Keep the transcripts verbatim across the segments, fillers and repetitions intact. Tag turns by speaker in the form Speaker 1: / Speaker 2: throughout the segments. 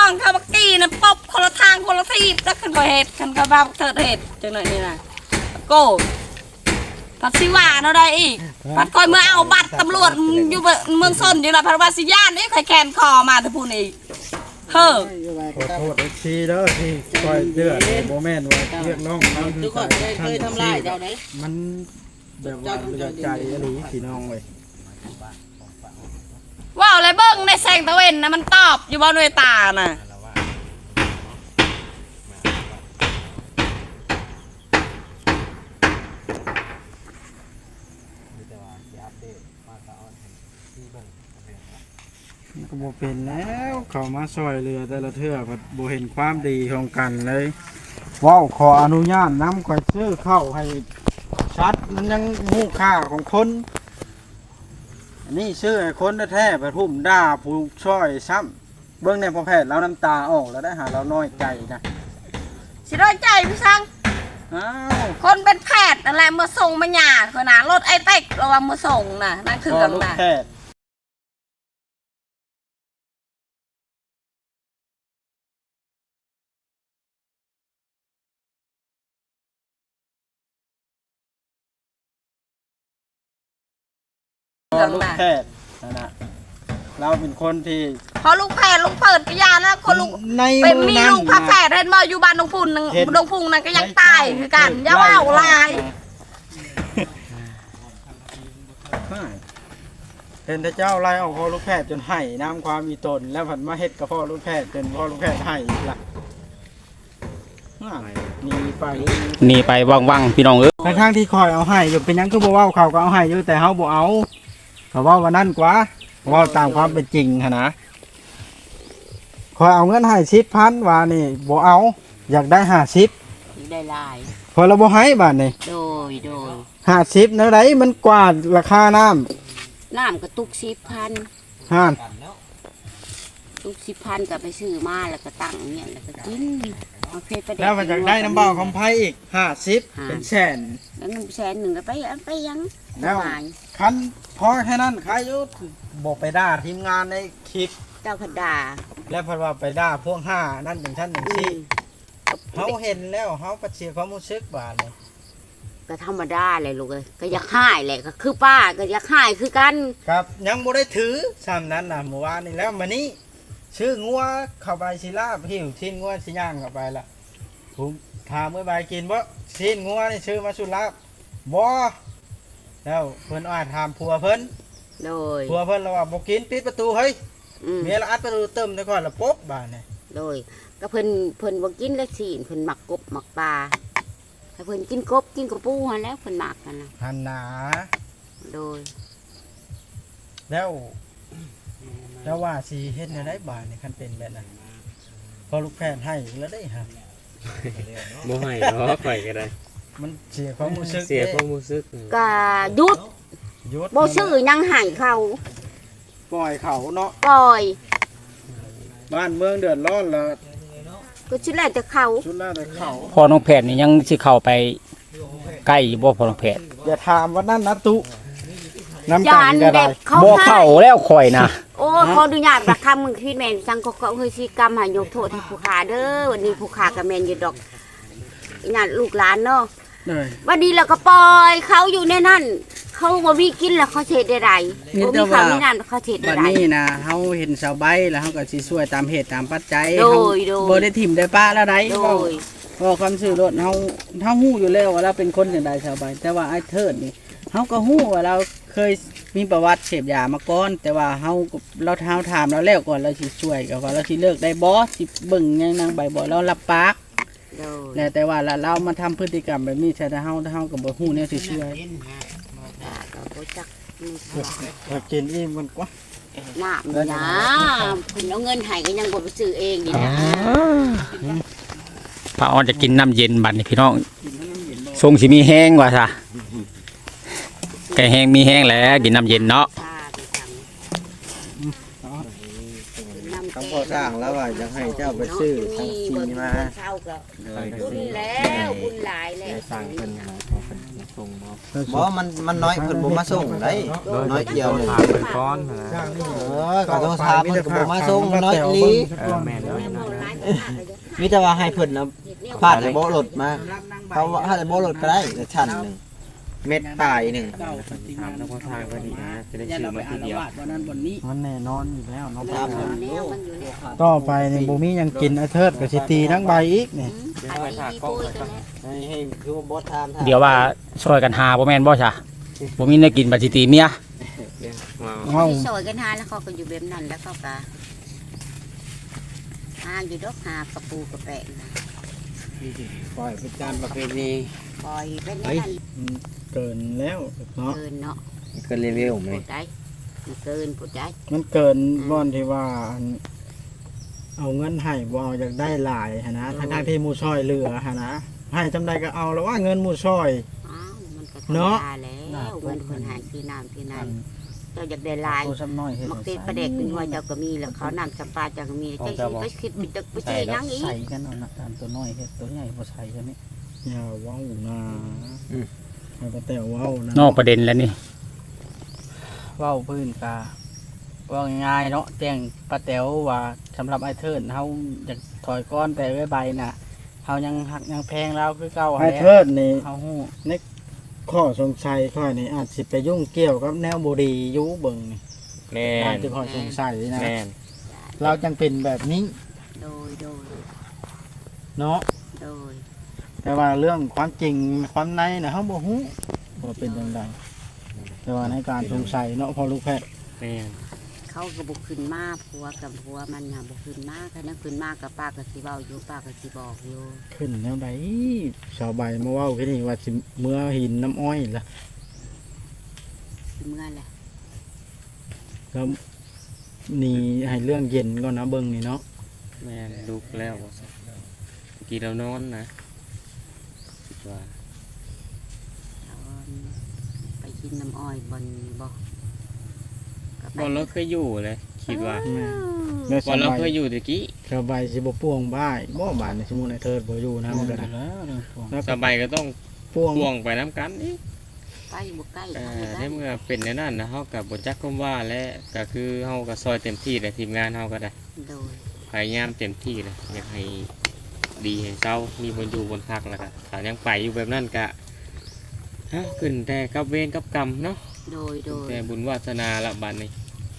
Speaker 1: องเขาบักกี้นะปบคนละทางคนละที่แล้วขึ้นก็เหตุขึ้นก็บ้าเถิดเหตุจังหน่อยนี่นะโก้พัดสิว่าเนาะได้อีกพัดคอยเมื่อเอาบัตรตำรวจอยู่เมืองซนอยู่นะพัดว่าสิย่านนี่คอยแคนคอมาแต่พูนอีกเฮ้อ
Speaker 2: ขอโทษเอฟซีเด้อที่คอยเดือดโมเมนต์ว่าเรียกร้องความดีใจเคยทำลายเจ้าได้มันแบบว่าเลือดใจอะไรพี่น้องเลย
Speaker 1: ว้าวอะไรเบิ้งในแสงตะเวนนะมันตอบอยู่บนเวตาน่ะ
Speaker 2: ก็บ่เป็นแล้วเขามาซอยเรือแต่ละเทื่อก็บ่เห็นความดีของกันเลยว้าวขออนุญาตนำข่อยซื้อเข้าให้ชัดมันยังมูค่าของคนอันนี้ซื้อให้คนแท้ๆไปทุ่มด่าผู้ช่วยซ้ำเบื้องในพอแพทย์แล้วน้ำตาออกแล้วได้หาเราน้อยใจนะ
Speaker 1: สิร้อยใจพี่สัง
Speaker 2: อ้าว
Speaker 1: คนเป็นแพทย์อะไรมาส่งมาหยาดคนน่ะรถไอเต็กระวังมาส่งน่ะนั่นคือกันน่ะ
Speaker 2: ลูกแพทย์นะนะเราเป็นคนที่
Speaker 1: พอลูกแพทย์ลูกเปิดกิยาแล้วคนลูกเป็นมีลูกพระแพทย์เห็นมาอยู่บ้านดงพุนนึงดงพุงนั่นก็ยังตายคือกันอย่าว่าลาย
Speaker 2: เห็นแต่เจ้าไล่เอาพ่อลูกแพทย์จนไห้น้ำความมีตนแล้วผันมาเฮ็ดกับพ่อลูกแพทย์จนพ่อลูกแพทย์ไห้อีกละหนีไป
Speaker 3: หนีไปว่างๆพี่น้องเอ้ย
Speaker 2: ในทางที่คอยเอาให้อยู่เป็นยังก็บ่เว้าเขาก็เอาให้อยู่แต่เฮาบ่เอาเขาว่าวันนั้นกว่าว่าตามความเป็นจริงนะคอยเอาเงินให้สิบพันว่านี่บ่เอาอยากได้ห้าสิบ
Speaker 1: ได้ลาย
Speaker 2: พอเราบ่ให้บาทนี่
Speaker 1: โดยโดย
Speaker 2: ห้าสิบเนื้อไรมันกว่าราคาน้
Speaker 1: ำน้ำกระตุกสิบพัน
Speaker 2: ห้า
Speaker 1: ตุกสิบพันกับไปซื้อมาแล้วก็ตั้งเนี่ยแล้วก็กิน
Speaker 2: แล้วมันอยากได้น้ำเบาของไผ่อีกห้าสิบเป็นแสน
Speaker 1: แล้วน้ำแสนหนึ่งก็ไปไปยัง
Speaker 2: แล้วคันพอแค่นั้นขายยุทบอกไปด่าทีมงานในคลิป
Speaker 1: เจ้าพัดดา
Speaker 2: แล้วพอว่าไปด่าพวกห้านั่นอย่างท่านอย่างที่เขาเห็นแล้วเขาปฏิเสธความรู้สึกบาดเลย
Speaker 1: ก็ธรรมดาเลยลูกเลยก็อยากหายแหละก็คือป้าก็อยากหายคือกัน
Speaker 2: ครับยังบ่ได้ถือซ้ำนั้นนะเมื่อวานนี้แล้วมานี้ชื่องัวเข้าไปศิลาหิวชิ้นงัวชิ้นย่างเข้าไปละผมถามเมื่อใบกินว่าชิ้นงัวนี่ชื่อมาสุลาบ่แล้วเพิ่นอาจถามผัวเพิ่น
Speaker 1: โดย
Speaker 2: ผัวเพิ่นเราว่าบ่กินปิดประตูเฮ้ยเมียละอัดประตูเติมได้ก่อนละป๊บบาดนี่
Speaker 1: โดยก็เพิ่นเพิ่นบ่กินแล้วสิเพิ่นหมักกบหมักปลาให้เพิ่นกินกบกินกระปูหั่นแล้วเพิ่นหมักกันนะ
Speaker 2: หั่นหนา
Speaker 1: โดย
Speaker 2: แล้วแล้วว่าสิเฮ็ดได้บาดนี่คันเป็นแบบนั้นพอลูกแพทย์ให้แล้วได้ฮะ
Speaker 3: บ่ให้เนาะข่อยก็ได้
Speaker 2: มันเสียความรู้สึก
Speaker 3: เสียความรู้สึก
Speaker 1: ก็หยุดหยุดบ่ซื้อยังให้เขา
Speaker 2: ปล่อยเขาเนาะ
Speaker 1: ปล่อย
Speaker 2: บ้านเมืองเดือดร้อนแล้ว
Speaker 1: ก็ชุดแรกจะเขา
Speaker 2: ชุดแรกจะเขา
Speaker 3: พ่อน้องแพทย์นี่ยังสิเข้าไปใกล้บ่พ่อน้องแพทย์
Speaker 2: อย่าถามว่านั่นนะตุน้ำกันก็ได้
Speaker 3: บ่เข้าแล้วข่อยนะ
Speaker 1: โอ้ขออนุญาตประคำมึงคิดแม่นจังก็เฮ้ยสิกรรมหายกโทษให้ผู้ขาเด้อวันนี้ผู้ขากับแม่นอยู่ดอกญาติลูกหลานเนาะวันนี้เราก็ปล่อยเขาอยู่ในนั่นเขาบ่มีกินแล้วเขาเฉดได้ไรบ่มีข้าวมีน้ำเขาเฉดได้ไร
Speaker 2: วันนี้นะเขาเห็นสาวใบแล้วเขาก็สิช่วยตามเหตุตามปัจจัยเขาบ่ได้ถิ่มได้ป้าแล้วได้บอกความสื่อรถเขาเขาหู้อยู่แล้วว่าเราเป็นคนอย่างใดสาวใบแต่ว่าไอ้เทิดนี่เขาก็หู้ว่าเราเคยมีประวัติเสพยามาก่อนแต่ว่าเขาเราเท้าถามเราแล้วก่อนเราสิช่วยกับว่าเราสิเลิกได้บอสสิเบิ่งยังนางใบบ่เรารับปากแล้วแต่ว่าเรามาทำพฤติกรรมแบบนี้ใช่แต่เฮาเฮากับบ่ฮู้เนี่ยสิช่วยกินอิ่มกันกว่า
Speaker 1: น้ำนะคุณเอาเงินให้ก็ยังบ่ไปซื้อเองนี่นะ
Speaker 3: ป้าออนจะกินน้ำเย็นบัดนี้พี่น้องทรงสิมีแห้งว่าซะแกแห้งมีแห้งแล้วกินน้ำเย็นเนาะ
Speaker 2: คำพอสร้างแล้วว่าจะให้เจ้าไปซื้อทั้งซีมา
Speaker 1: บุญแล้วบุญหลายแล้ว
Speaker 2: สร้างเป็น
Speaker 4: ส่งบ่
Speaker 5: บ่มันมันน้อยเพิ่นบ่มาส่งได้น้อยเดียวหนึง
Speaker 4: ถามเป็นก้อนนะ
Speaker 5: เออก็โทรถามเพิ่นก็บ่มาส่งน้อยอีหลี
Speaker 4: เออแม่นแล้ว
Speaker 5: มีแต่ว่าให้เพิ่นน่ะพาดแต่บ่รถมาเขาว่าถ้าแต่บ่รถก็ได้แต่ชั้นหนึงเม็ดปลายหนึง
Speaker 2: เก้าปฏิ
Speaker 4: ถามแล้วก็ทางก็ดีนะจะได้
Speaker 2: อย่า
Speaker 4: ชื่อ
Speaker 2: เราไป
Speaker 4: มา
Speaker 2: อา
Speaker 4: ที
Speaker 2: ละ
Speaker 4: เดียว
Speaker 2: วาดวันนั้นวันนี้
Speaker 6: มันแน่นอนอยู่แล้วเนาะ
Speaker 5: ครับ
Speaker 1: แนวมันอยู่แล้ว
Speaker 6: ต่อไปนี่บ่มีหยังกินไอ้เทิดก็สิตีทั้งใบอีกนี่
Speaker 1: อันนี้มีปุ้ยตัวนี้
Speaker 5: ให้ให้คือว่าบ่ถามถาม
Speaker 3: เดี๋ยวว่าช่วยกันหาบ่แม่นบ่ซะบ่มีได้กินบัดสิตีเมีย
Speaker 6: เฮา
Speaker 1: ที่ซอยกันหาแล้วเขาก็อยู่แบบนั้นแล้วเขาก็หาอยู่ดอกหากระปูกระแปะนะ
Speaker 2: ปล่อยเป็นการประเพณี
Speaker 1: ปล่อยไปนั่น
Speaker 6: เกินแล้วเนาะ
Speaker 1: เกินเนาะ
Speaker 5: ก็รีวิวไหม
Speaker 1: พูดได้มันเกินพูดได้
Speaker 6: มันเกินบ่อนที่ว่าอันเอาเงินให้บ่เอาอยากได้หลายหันนะทั้งๆที่หมู่ซอยเหลือหันนะให้จำใดก็เอาแล้วว่าเงินหมู่ซอย
Speaker 1: อ้าวมันก็
Speaker 6: เนาะ
Speaker 1: ธรรมดแล้วเงินคนหายที่น้ำที่นั่นเจ้าอยากได้หลาย
Speaker 6: โตซ้ำน้อยเฮ็ด
Speaker 1: มักเตประเด็กเป็นหัวเจ้าก็มีแล้วเขานำจำปาเจ้าก็มีเจ้าสิไปคิดไปตึกไปเจอยังอีก
Speaker 6: ใส่กันเอานะอันตัวน้อยเฮ็ดตัวใหญ่บ่ใส่ใช่มั้ยอย่าเว้านะให้ป้าแต้วเว้านะ
Speaker 3: นอกประเด็นแล้วนี่
Speaker 6: เว้าพื้นกาเว่าง่ายๆเนาะแจ้งป้าแต๋วว่าสำหรับไอ้เทิดเฮาอยากถอยก้อนแต่ไว้ใบน่ะเฮายังหักยังแพงแล้วคือเก่า
Speaker 2: ไอ้
Speaker 6: แหละ
Speaker 2: เทิดนี่
Speaker 6: เฮาฮู้
Speaker 2: ข้อสงสัยข้อยนี่อาจสิไปยุ่งเกี่ยวกับแนวบ่ดีอยู่เบิ่งนี่
Speaker 4: แม่
Speaker 2: ได้
Speaker 4: น
Speaker 2: ที่ข้อสงสัยนะ
Speaker 4: แม่น
Speaker 6: เราจังเป็นแบบนี้
Speaker 1: โดยโดย
Speaker 6: เนาะ
Speaker 1: โดย
Speaker 6: แต่ว่าเรื่องความจริงความในน่ะเฮาบ่ฮู้ว่าเป็นจังไดแต่ว่าในการสงสัยเนาะพอลูกแพทย์
Speaker 4: แม่น
Speaker 1: เขาก็บุกขึ้นมาผัวกับผัวมันน่ะบุกขึ้นมาคันนั้นขึ้นมากับป้าก็สิเว้าอยู่ป้าก็สิบอกอยู่
Speaker 6: ขึ้นแนวใดชาวใบมาเว้าแค่นี้ว่าสิเมื่อหินน้ำอ้อยล่ะ
Speaker 1: สิเมื่อแหละ
Speaker 6: แล้วนี่ให้เรื่องเย็นก่อนนะเบิ่งนี่เนาะ
Speaker 4: แม่นลุกแล้วบ่ซะกี่เรานอนนะคิดว่า
Speaker 1: เอาไปกินน้ำอ้อยบนบ่ก็ไป
Speaker 4: บ่เราเคยอยู่เลยคิดว่า
Speaker 6: แม่
Speaker 4: บ่
Speaker 6: สาว
Speaker 4: เรา
Speaker 6: ใบ
Speaker 4: เคยอยู่ตะกี้
Speaker 6: ชาวใบสิบ่ป่วงบ้ายบ่บานในสมุนไอ้เทิดบ่อยู่นะมันก็ได้แล้ว
Speaker 4: สบายก็ต้อง
Speaker 6: ป่วง
Speaker 4: พ่วงไปน้ำกันนี่
Speaker 1: ใกล้บ่ใกล้
Speaker 4: เอ่
Speaker 1: เขา
Speaker 4: อ
Speaker 1: บ่
Speaker 4: ใน
Speaker 1: ได้
Speaker 4: เมื่อเป็นในนั้นนะเฮากับบจักคำว่าและก็คือเฮาก็ซอยเต็มที่เลยทีมงานเฮาก็ได้
Speaker 1: โดย
Speaker 4: พยายามเต็มที่เลยอยากให้ดีให้เศร้ามีบนอยู่บนพักแล้วก็ถ้ายังไปอยู่แบบนั้นก็ฮะขึ้นแต่กับเวรกับกรรมเนาะ
Speaker 1: โดยโดย
Speaker 4: แต่บุญวาสนาละบัดนี้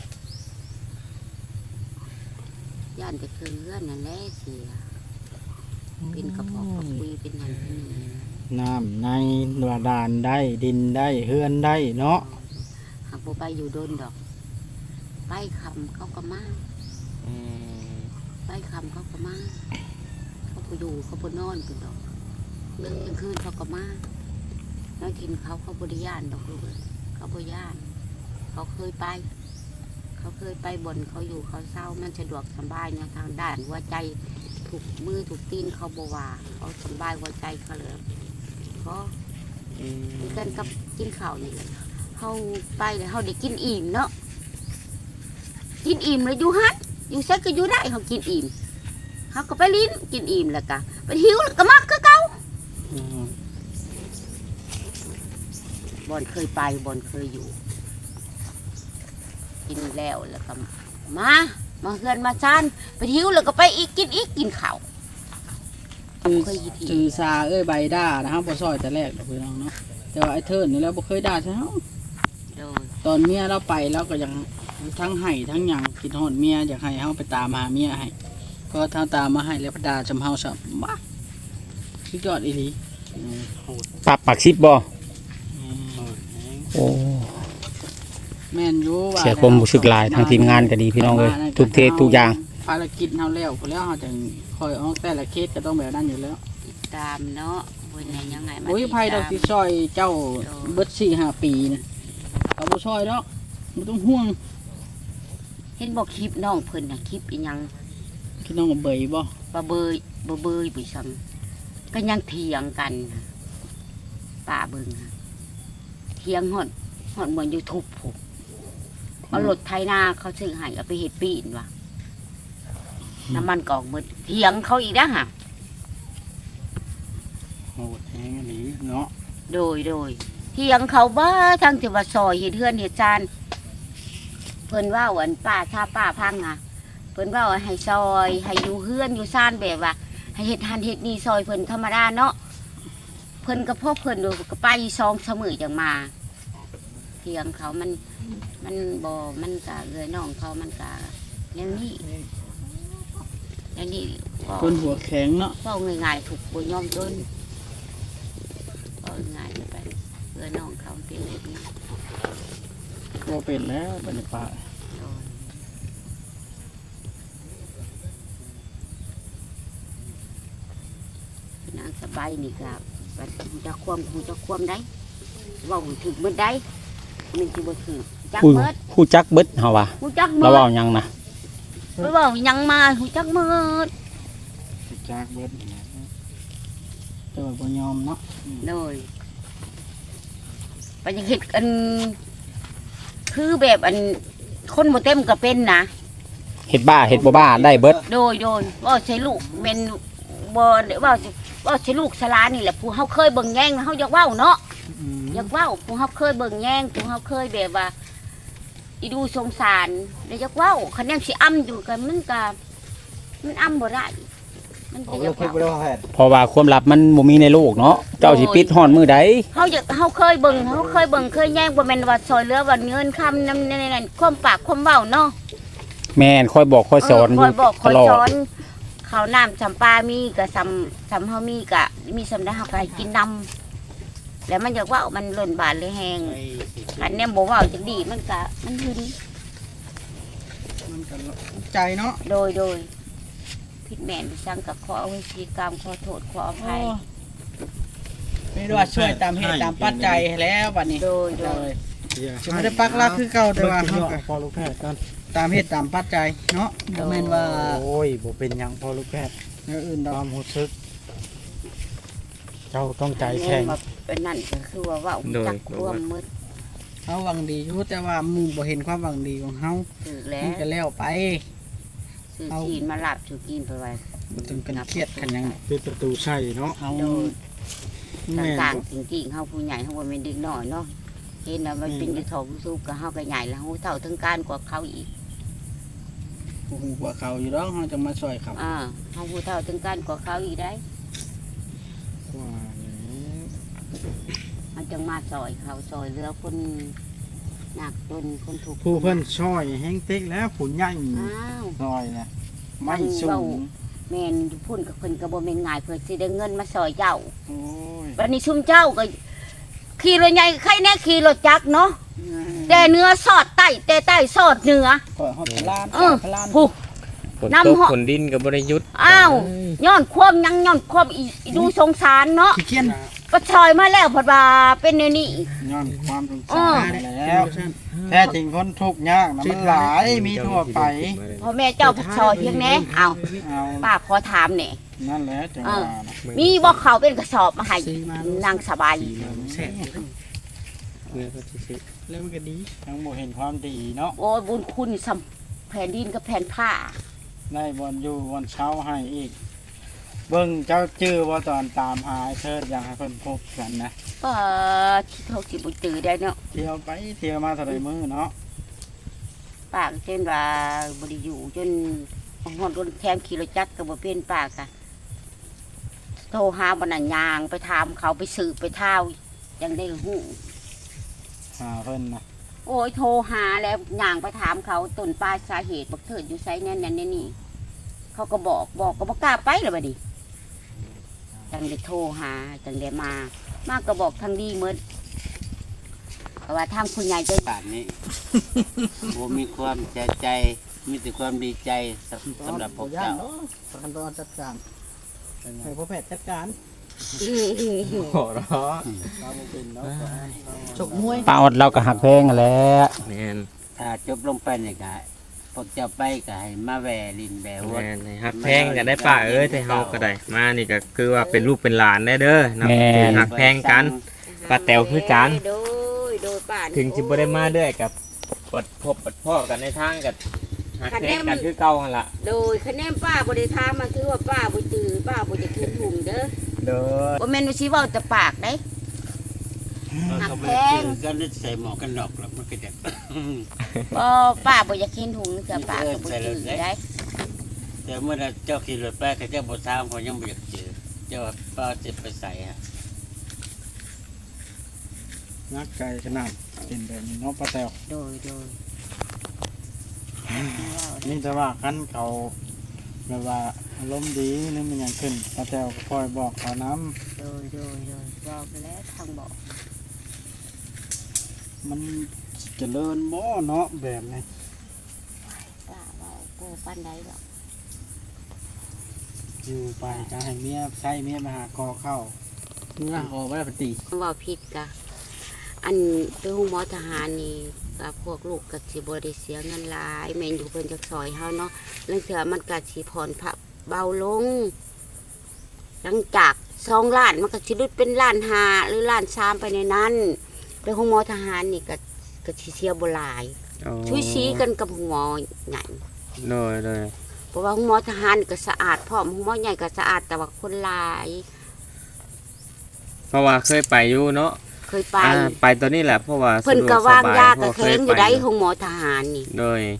Speaker 1: ย่านแต่คือเลื่อนนั่นแหละเสียเป็นกระเพาะกระปุยเป็นนั่นเป็นนี่
Speaker 6: น้ำในบาดาลได้ดินได้เฮือนได้เนาะ
Speaker 1: หากบ่ไปอยู่โดนดอก ไปคำเขาก็มา
Speaker 4: อืม
Speaker 1: ไปคำเขาก็มา เขาไปอยู่เขาไปนอนเป็นดอกเรื่องกลางคืนเขาก็มาน้อยกินเขาเขาบริยานดอกลูกเอ้ยเขาบริยาน เขาเคยไป เขาเคยไปบ่นเขาอยู่เขาเศร้ามันสะดวกสบายเนี่ยทางด้านหัวใจถูกมือถูกตีนเขาบว่าเขาสบายหัวใจเขาเลยเพราะ
Speaker 4: อืม
Speaker 1: คือกันกับกินข้าวนี่เขาไปแล้วเขาได้กินอิ่มเนาะกินอิ่มเลยอยู่ฮัทอยู่เซ็กก็อยู่ได้เขากินอิ่มเขาก็ไปลิ้นกินอิ่มแล้วก็ไปหิวแล้วก็มักก็เก่าบอนเคยไปบอนเคยอยู่ กินแล้วแล้วก็มามาเฮือนมาชานไปหิวแล้วก็ไปอีกกินอีกกินข้าว
Speaker 2: คือ
Speaker 1: เคยอีที
Speaker 2: จือซาเอ้ยใบด่านะครับบ่ซอยแต่แรกดอกพี่น้องเนาะแต่ว่าไอ้เทิดนี่แล้วบ่เคยด่าใช่เฮา
Speaker 1: โดย
Speaker 2: ตอนเมียเราไปเราก็ยังทั้งให้ทั้งหยังกินฮอดเมียอยากให้เฮาไปตามหาเมียให้ก็ทางตามมาให้แล้วพดาจำเฮาซะบ้าสุดยอดอีหลี
Speaker 3: ปรับปักซิบบ่โอ้
Speaker 2: แม่นอยู่ว่า
Speaker 3: เสียความรู้สึกหลายทางทีมงานก็ดีพี่น้องเอ้ยทุกเทศทุกอย่าง
Speaker 2: ภารกิจเฮาแล้วพอแล้วเฮาจะคอยออกแต่ละเคสก็ต้องแบบนั้นอยู่แล้ว
Speaker 1: ติดตามเนาะบนไหนยังไงมา
Speaker 2: โอ้ย
Speaker 1: ติด
Speaker 2: ภัยดอก
Speaker 1: ตาม
Speaker 2: ที่ซอยเจ้าเบิดสี่ห้าปีนะเอาบ่ซอยดอกบ่ต้องห่วง
Speaker 1: เห็นบอกคลิปน้องเพิ่นน่ะคลิปอีหยัง
Speaker 2: พี่น้องเบยบ่
Speaker 1: บะเบยบะเบยไปซ้ำก็ยังเถียงกันป้าเบิ่งค่ะเถียงหอดหอดเหมือนยูทูบผมเอารถไถนาเขาซื้อให้เอาไปเฮ็ดปีนว่ะน้ำมันกอกหมดเถียงเขาอีกนะฮะ
Speaker 6: โหดแฮงอีหลีเนาะ
Speaker 1: โดยโดยเที่ยงเขาบ้าทั้งที่ว่าซอยเฮ็ดเฮือนเฮ็ดจานเพิ่นว่าอันป้าถ้าป้าพังอ่ะเพิ่นว่าให้ซอยให้อยู่เฮือนอยู่ซ่านแบบว่าให้เฮ็ดหันเฮ็ดนี่ซอยเพิ่นธรรมดาเนาะเพิ่นก็พ่อเพิ่นดูก็ไปซองเสมอจังมาเที่ยงเขามันมันบ่มันก็เลยน้องเขามันก็อย่างนี้อย่างนี้
Speaker 6: คนหัวแข็งเนาะ
Speaker 1: เฝ้าง่ายๆถูกบ่ยอมจนเฝ้าง่ายไปเพื่อน้องเขาเป็นแบบนี้
Speaker 6: บ่เป็นแล้วบัดนี้ป้า
Speaker 1: นางสบายนี่ครับจะความคงจะความได้เว่าถึงเมื่อได้มันจะบ่ถึงจัก
Speaker 3: ผู้
Speaker 1: เมื่อ
Speaker 3: ผู้จักเบิดเฮาว่า
Speaker 1: หูจัก
Speaker 3: เรา
Speaker 1: เมื่อ
Speaker 3: เว้าหยังนะ
Speaker 1: ไม่ว่ายังมาหูจักเมื่อ
Speaker 6: จากเบิดแต่ว่าบ่ยอมเนาะ
Speaker 1: เลยไปยังเห็ดอันคือแบบอันคนบ่เต็มก็เป็นนะ
Speaker 3: เฮ็ดบ้าเฮ็ดบ่บ้าได้เบิด
Speaker 1: โดยโดยว่าใช้ลูกเป็นบ่ว่าว่าใช้ลูกสลานี่แหละผู้เฮาเคยเบิ่งแย่งเฮาอยากเว้าเนาะ
Speaker 6: อืม
Speaker 1: อยากเว้าผู้เฮาเคยเบิ่งแย่งผู้เฮาเคยแบบว่าอีดูสงสารแล้วอยากเว้าคะแนนสิอ้ำอยู่กันมันก็มันอ้ำบ่ได้มัน
Speaker 5: เอา
Speaker 1: ก็อ
Speaker 5: เรื่
Speaker 1: ยา
Speaker 5: อง
Speaker 1: ก
Speaker 5: คลิป
Speaker 1: เว้า
Speaker 5: ไปแล้วแพทย์
Speaker 3: เพราะว่าความลับมันบ่มีในโลกเนาะเจ้าสิปิดฮ้อนมื้อใด
Speaker 1: เฮาอยากเฮาเคยเบิ่งเฮาเคยเบิ่งเคยแย่งบ่แม่นว่าซอยเหลือว่าเงินคำนำนั่นๆความปากความเว้าเนาะ
Speaker 3: แม่นคอยบอกคอยสอน
Speaker 1: คอยบอกค
Speaker 3: ต
Speaker 1: อย
Speaker 3: ลอ
Speaker 1: ส
Speaker 3: ด
Speaker 1: อนเขาวน้ำจำปามีก็สำสำเฮามีก็มีสำได้เฮาก็ให้กินนำแล้วมันอยากเว้ามันหล่นบาดเลยแฮงอันเนี้ยบ่เว้าจังดีมันก็มันหึน
Speaker 6: มันก็ใจเนาะ
Speaker 1: โดยโดยผิดแม่นสั่งกับขออโหสิกรรมขอโทษขออภัย
Speaker 6: ไม่รู้ว่าช่วยตามเหตุตามปัจจัยให้แล้วบัดนี้
Speaker 1: โดยโดย
Speaker 6: จะไม่ได้ปักหลักคือเก่าแต่ว่าเฮาก็
Speaker 5: พอลูกแพทย์กัน
Speaker 6: ตามเหตุตามปัจจัยเนาะบ่แม่นว่า
Speaker 5: โอ้ยบ่เป็นหยังพอลูกแพทย์
Speaker 6: อย่างอื่นด
Speaker 5: ค
Speaker 6: อก
Speaker 5: วามรู้สึก เจ้าต้องใจ
Speaker 1: แม่
Speaker 5: แข็ง
Speaker 1: มาเป็นนั่นก็คือว่าเว้าจักรวมมืด
Speaker 6: เฮาหวังดีอยู่แต่ว่าหมู่บ่เห็นความหวังดีของเฮา
Speaker 1: ถือแล้
Speaker 6: มัน
Speaker 1: ว
Speaker 6: ก็แล้วไป
Speaker 1: ซื้อกินมาหลับถือกินไปไว้
Speaker 6: บ่ต้องเป็นเครียดกันหยัง
Speaker 5: เป็นประตูใช่เนาะ
Speaker 6: เฮา
Speaker 1: โดย
Speaker 6: แม่น
Speaker 1: ต่างๆจริงๆเฮาผู้ใหญ่เฮาบ่แม่นเด็กน้อยเนาะเห็นว่ามันเป็นอยู่ทองสู้กับเฮาก็ใหญ่แล้วเฮาเท่าถึงการกว่าเขาอีก
Speaker 6: ผู้ฮู้กว่าเขาอยู่ดอกเฮาจะมาช่วยเขา
Speaker 1: อ่าเฮาผู้เท่าถึงการกว่าเขาอีกได้
Speaker 5: ว่าอย่างนี้
Speaker 1: เฮาจังมาซอยเขาซอยเหลือคนยากจนคนทุกข์
Speaker 5: ผู้เพิ่นช่อยแห้งเต็กแล้วผู้ใหญ่
Speaker 1: อ้าว
Speaker 5: ซอยนะไม่สูง
Speaker 1: แม่นอยู่พุ่นกับเพิ่นก็บ่แม่นง่ายเพิ่นสิได้เงินมาซอยเจ้า
Speaker 5: โอ้ย
Speaker 1: วันนี้ชุมเจ้าก็ขี่รถใหญ่ใครแน่ขี่รถจักรเนาะแต่เนื้อสอดใต้แต่ใต้สอดเหนือ
Speaker 6: ก็เฮาพลาน
Speaker 1: เออ
Speaker 6: พลาน
Speaker 1: ผู้
Speaker 4: ฝน
Speaker 1: น้ำ
Speaker 4: ตก
Speaker 1: เหาะ
Speaker 4: ฝนดินกับบริยุทธ์
Speaker 1: อ้าวย้อนความยังย้อนความอีอีดูสงสารเนาะ
Speaker 6: ขี้เกียจ
Speaker 1: ก็ชอยมาแล้วเพอว่าเป็นแนวนี้
Speaker 5: ย้อนความสง
Speaker 1: เอ
Speaker 5: สา
Speaker 1: อ
Speaker 5: รแล้วแท้จริงคนทุกข์ยากนะมันหลายมีทั่วไป
Speaker 1: พ่อแม่เจ้าผู้ชอยเพียงแน่เอา
Speaker 5: เอา
Speaker 1: ป้าขอถามแหน่
Speaker 5: นั่นแหละจังหวะนะ
Speaker 1: มีบ่เขาเป็นกระสอบมาให้นางสบาย
Speaker 6: แซ่บ
Speaker 4: เมื่อก็ซื้อ
Speaker 6: แล้วมันก็ดี
Speaker 5: ทั้งบ่เห็นความดีเนาะ
Speaker 1: โอ้ยบุญคุณสำแผ่นดินกับแผ่นผ้า
Speaker 5: ได้บอลอยู่บอลเช้าให้อีก เบิ่งเจ้าจื้อว่าตอนตามหาไอ้เทิดอยากให้เพิ่นพบกันนะ
Speaker 1: ก็ที่เขาสิบุจือได้เนาะ
Speaker 5: เที่ยวไปเที่ยวมาเท่าไรมื้อเนาะ
Speaker 1: ป้าก็เช่นว่าบริอยู่จนหอดรถแคมขี่รถจักรก็บ่เป็นป้ากะโทรหาบรรณายางไปถามเขาไปสืบไปเท่ายังได้หู้
Speaker 5: หาเพิ่นนะ
Speaker 1: โอ้ยโทรหาแล้วย่างไปถามเขาต้นปลายสาเหตุบักเถิดอยู่ไซนั่นนั่นนี่เขาก็บอกบอกก็บอกกล้าไปเลยบัดนี้จังได้โทรหาจังได้มา มากก็บอกทางดีเหมือนเพราะว่าทางคุณยายจะ
Speaker 7: ป่านนี้ ผมมีความใจใจ มีแต่ความดีใจสำสำหรับพวกเจ้า
Speaker 6: ประกันตัวจัดการให้พ่อแพทย์จัดการ
Speaker 5: โหเราะเราบ่เป็นเนาะ
Speaker 6: ฉกมวย
Speaker 3: ป้าอดเราก็หักแพงนั่นแหละ
Speaker 4: แมน
Speaker 7: ถ้าจบลงไปเนี่ยก็พวกเจ้าไปก็ให้มาแหวลินแหว
Speaker 4: แม
Speaker 7: วด
Speaker 4: นให้ฮักแพงกันได้ป่ะเอ้ยแต่เฮาก็ได้มานี่ก็คือว่าเป็นลูกเป็นหลานได้เด้อนับถือฮักแพงกันป้าแต๋วคือกัน
Speaker 1: โดยโดยป่าน
Speaker 4: ถึงจิบ่ได้มาเด้อกับปดพบปดพ่อกันในทางกับฮักแพงกันคือเก่าหั่นล่ะ
Speaker 1: โดยคะแนนป้าบริทามมาคือว่าป้าบ่จือป้าบ่จะเขียนหุ่มเด้อ
Speaker 4: เด้อ
Speaker 1: บ่แม่นว่าสิเว้าแต่ปากได้
Speaker 7: ก็ไปซื้อกันใส่หมอกันดอกแล้วมันก็จะ
Speaker 1: บ่ป้าบ่อยากเห็นหุงเสือป้าก็บ่จื้อได้
Speaker 7: แต่เมื่อเจ้าขี่รถไปก็เจ้าบ่ทราบเขายังบ่อยากเจอเจ้าป้าจะไปใส่ฮะ
Speaker 6: นักไก่ขนาดเป็นแบบนี้เนาะป้าแตว
Speaker 1: โดยโดย
Speaker 6: นี่แต่ว่าคันเขาแบบว่าอารมณ์ดีนี่มันยังขึ้นป้าแตวก็คอยบอกเขาน้
Speaker 1: โดยโดยโดยบอกไปแล้วทางบอก
Speaker 6: ำมันเจริญบ่เนาะแบบนี้
Speaker 1: ป้าเว้าโกปานใดดอก
Speaker 6: อยู่ไปจะให้เมียใช้เมียมาหาคอเข้าเมื่อออกไปปฏิ
Speaker 1: เว้าผิดกะอันไปฮู้หมอทหารนี่ก็พวกลูกก็สิบ่ได้เสียเงินหลายแม่นอยู่เพิ่นจักซอยเฮาเนาะลางเทื่อมันก็สิผ่อนผักเบาลง หลังจากสองล้านมันก็สิลดเป็นล้านห้าหรือล้านสามไปในนั้นไปฮู้หมอทหารนี่ก็ก็สิเสียบ่หลาย
Speaker 4: อ๋อ
Speaker 1: ช่วยชี้กันกับหมอใหญ่
Speaker 4: โดยโดย
Speaker 1: เพราะว่าหมอทหารก็สะอาดพร้อมหมอใหญ่ก็สะอาดแต่ว่าคนหลาย
Speaker 4: เพราะว่าเคยไปอยู่เนาะ
Speaker 1: เคยไป
Speaker 4: อ่าไปตัวนี้แหละเพราะว่า
Speaker 1: เพิ่น
Speaker 4: สะดว
Speaker 1: ก็
Speaker 4: ส
Speaker 1: วาง
Speaker 4: บ
Speaker 1: ยา
Speaker 4: เพ
Speaker 1: ก็
Speaker 4: ราะ
Speaker 1: แข็งอยู่ได้ของหมอทหารนี่
Speaker 4: โดย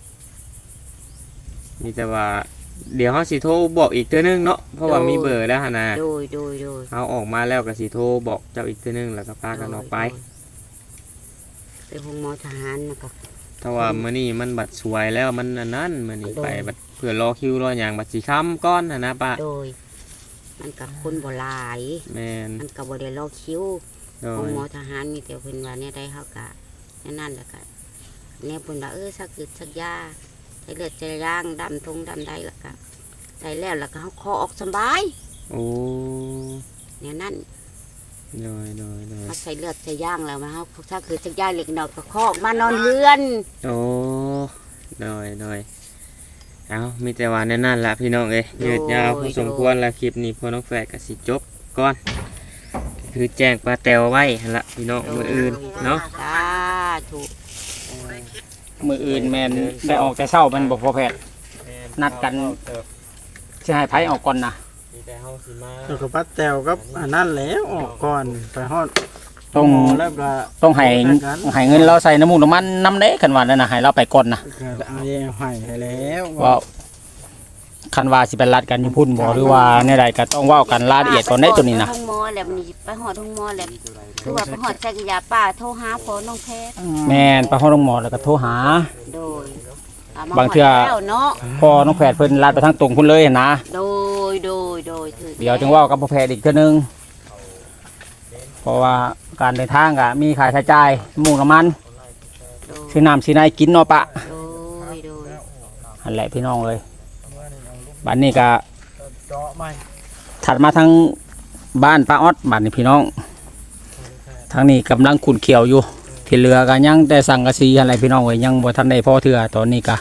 Speaker 4: มีแต่ว่า เดี๋ยวเขาสิโทรบอกอีกเทื่อนึงเนาะเพราะว่ามีเบอร์แล้วหั่นน่ะ
Speaker 1: โดยโดยโดย
Speaker 4: เขาออกมาแล้วก็สิโทรบอกเจ้าอีกเทื่อนึงแล้วก็พากันออกไป
Speaker 1: ไปของหมอทหารนะครับ
Speaker 4: ถ้าว่ามื้อนี้มันบัดสวยแล้วมันอันนั้นมื้อนี้
Speaker 1: โดย
Speaker 4: ไปบัดเพื่อรอคิวรอหยังบัดสิค้ำก้อนหั่นนะป้า
Speaker 1: โดย มันกับคนบ่หลาย
Speaker 4: แม่น
Speaker 1: มันก็บ่ได้รอคิว
Speaker 4: โด
Speaker 1: ของ
Speaker 4: ย
Speaker 1: หมอทหารมีแต่เพิ่นว่าเนี่ยได้เฮาก็นั่นนั่นแหละก็เนี่ยเพิ่นว่าเออสักอึดสักยาใส่เลือดใส่ย่างดำทงดำได้แล้วก็ได้แล้วแล้วก็เฮาคอออกสบาย
Speaker 4: โอ้
Speaker 1: เนี่ยนั่น
Speaker 4: โดยโดยโดย
Speaker 1: มาใส่เลือดใส่ย่างแล้วมาเฮาถ้าคือสักย่างเล็กน้อยก็คอออกมานอนเรือน
Speaker 4: โอ้โดยโดยเอามีแต่ว่าแน่นั่นละพี่น้องเอ้ยยืดยาวพอสมควรละคลิปนี้พอน้องแฝดก็สิจบก่อนคือแจ้งปลาแตวไว้หั่นละพี่น้องมื้ออื่นเนาะ
Speaker 1: สาธุ
Speaker 3: มืออื่นแมนได้ออกแต่เช้ามันบอกพอแพทย์นัดกันจะให้ไผออกก่อนนะ
Speaker 4: มีแต่เฮาสิมา
Speaker 6: แล้วก็ป้าแตวกับอันนั้นแล้วออกก่อนไปฮอด
Speaker 3: ต้อง
Speaker 6: หมแล้วก็
Speaker 3: ต้องให้ให้เงินเราใส่น้ำมูกน้ำมันน้ำเด้คันว่านั่นนะให้เราไปก่อนนะ
Speaker 6: ก็เอาแย่ให้ให้แล้ว
Speaker 3: ว่าคันว่าสิเป็นรัดกันอยู่พุ่นบ่หรือว่าในใดก็ต้องเว้ากันรายละเอียดก่อนได้ตัวนี้นะ
Speaker 1: ไปห้องหมอแล้วมันไปหอดห้องหมอแล้วคือว่าไปหอดใส่กระยาป้าโทรหาพอน้องแพทย์
Speaker 3: แม่นไปห้องโรงหมอแล้วก็โทรหา
Speaker 1: โดยม
Speaker 3: บางเทื่อ
Speaker 1: ฮดแล้วเนาะ
Speaker 3: พอน้องแพทย์เพิ่นลัดไปทางตรงพุ่นเลยนะ
Speaker 1: โดยโดยโดยถือ
Speaker 3: เดี๋ยวจึงเว้ากับพ่อแพทย์อีกเทื่อนึงเพราะว่าการเดินทางก็มีค่าใช้จ่ายน้ำมูกน้ำมัน
Speaker 1: โดย
Speaker 3: ซื้อน้ำซื้อในกินเนาะปะ
Speaker 1: โดยโดย
Speaker 3: อันแหละพี่น้องเลยบัดนี้ก็
Speaker 6: เจาะใหม่
Speaker 3: ถัดมาทางบ้านป้าออดบ้านนี้พี่น้องทางนี้กำลังขุนเขียวอยู่ที่เรือก็ยังแต่สังกะสีอะไรพี่น้องเอ้ยยังบ่ทันได้พอเทื่อตอนนี้ก็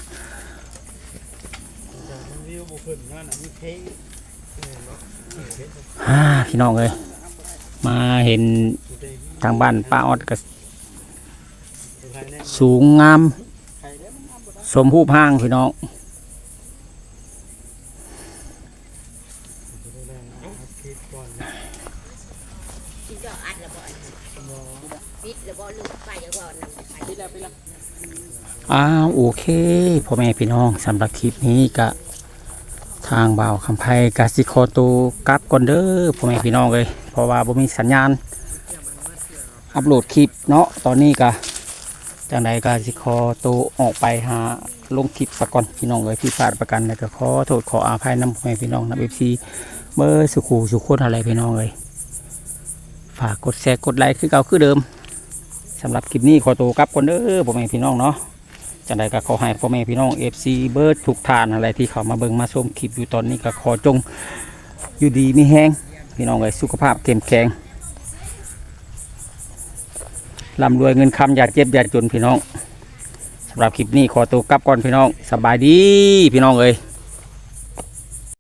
Speaker 6: วิวบุขึ้นนั่นน่ะมีเพลง
Speaker 3: ฮ่าพี่น้องเอ้ยมาเห็นทางบ้านป้าออดก็สูงงามสมผู้พางพี่น้อง
Speaker 1: สิเจาะอัดแล้วบ่ปิดแล้วบ่ลืมไปแล้วบ่นำไปปิดแล้วปิดแล้ว
Speaker 3: อ้าวโอเคพ่อแม่พี่น้องสำหรับคลิปนี้ก็ทางบ่าวคำไพกาสิโคตูกลับก่อนเด้อพ่อแม่พี่น้องเลยเพราะว่าบ่มีสัญญาณอัปโหลดคลิปเนาะตอนนี้ก็จังใดกาสิโคตูออกไปหาลงคลิปสักก่อนพี่น้องเลยพี่พลาดประกันแล้วก็ขอโทษขออภัยนำพ่อแม่พี่น้องนะเอฟซีเบอร์สุขูสุขคนอะไรพี่น้องเลยฝากกดแชร์กดไลค์คือเก่าคือเดิมสำหรับคลิปนี้ขอตัวกลับก่อนเด้อพ่อแม่พี่น้องเนาะจังใดก็ขอให้พ่อแม่พี่น้องเอฟซีเบิร์ดทุกทานอะไรที่เขามาเบิ่งมาชมคลิปอยู่ตอนนี้ก็ขอจงอยู่ดีมีแห้งพี่น้องเลยสุขภาพเข้มแข็งร่ำรวยเงินคำอย่าเจ็บอย่าจนพี่น้องสำหรับคลิปนี้ขอตัวกลับก่อนพี่น้องสบายดีพี่น้องเอ้ย